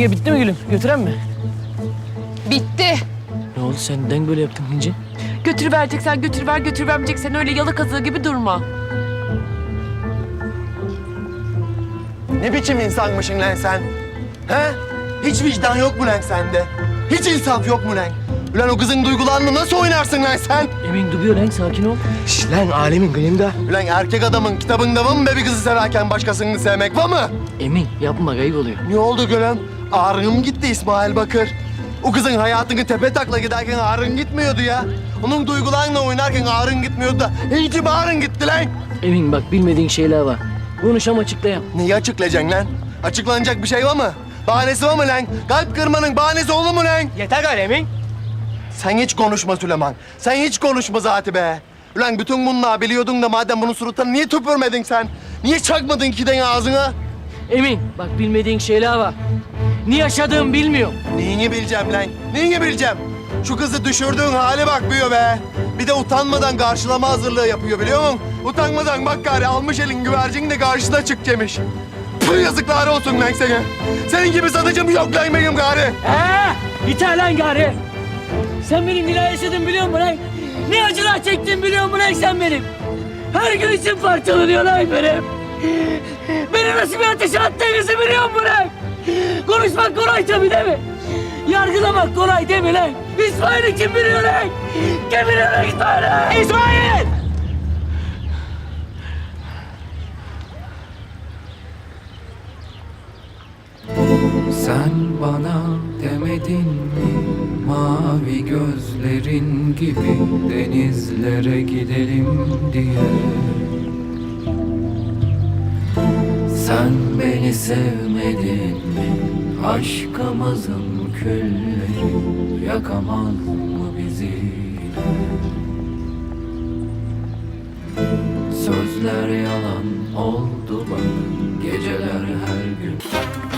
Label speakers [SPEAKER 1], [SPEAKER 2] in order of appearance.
[SPEAKER 1] bitti mi gülüm? Götüren mi?
[SPEAKER 2] Bitti.
[SPEAKER 1] Ne oldu sen neden böyle yaptın İnci?
[SPEAKER 2] Götürüvereceksen götürüver, götürüvermeyeceksen öyle yalı kazığı gibi durma.
[SPEAKER 3] Ne biçim insanmışsın lan sen? He? Hiç vicdan yok mu lan sende? Hiç insaf yok mu lan? Ulan o kızın duygularını nasıl oynarsın lan sen?
[SPEAKER 1] Emin duruyor lan sakin ol.
[SPEAKER 3] Şş lan alemin kıyımda. Ulan erkek adamın kitabında var mı be bir kızı severken başkasını sevmek var mı?
[SPEAKER 1] Emin yapma kayıp oluyor.
[SPEAKER 3] Ne oldu gülüm? Ağrın gitti İsmail Bakır. O kızın hayatını tepe takla giderken ağrın gitmiyordu ya. Onun duygularla oynarken ağrın gitmiyordu da. İyi ki bağrın gitti lan.
[SPEAKER 1] Emin bak bilmediğin şeyler var. Konuşam açıklayam.
[SPEAKER 3] Neyi açıklayacaksın lan? Açıklanacak bir şey var mı? Bahanesi var mı lan? Kalp kırmanın bahanesi olur mu lan?
[SPEAKER 1] Yeter gari Emin.
[SPEAKER 3] Sen hiç konuşma Süleyman. Sen hiç konuşma zaten be. Ulan bütün bunları biliyordun da madem bunun suratına niye tüpürmedin sen? Niye çakmadın kiden ağzına?
[SPEAKER 1] Emin bak bilmediğin şeyler var. Ne yaşadığımı bilmiyorum.
[SPEAKER 3] Neyini bileceğim lan? Neyini bileceğim? Şu kızı düşürdüğün hale bak büyüyor be. Bir de utanmadan karşılama hazırlığı yapıyor biliyor musun? Utanmadan bak gari almış elin güvercin de karşına çık demiş. Pıh yazıklar olsun lan sana. Senin gibi satıcım yok lan benim gari.
[SPEAKER 1] Yeter lan gari. Sen benim neler yaşadığımı biliyor musun lan? Ne acılar çektiğimi biliyor musun lan sen benim? Her gün için parçalanıyor lan benim. Beni nasıl bir ateşe attığınızı biliyor musun lan? Konuşmak kolay tabii değil mi? Yargılamak kolay değil mi lan? İsmail'i kim biliyor lan? Kim biliyor lan İsmail'i? İsmail!
[SPEAKER 4] Sen bana demedin mi mavi gözlerin gibi denizlere gidelim diye. Sen beni sevmedin mi aşkımızın külleri yakamaz mı bizi? Sözler yalan oldu bak geceler her gün.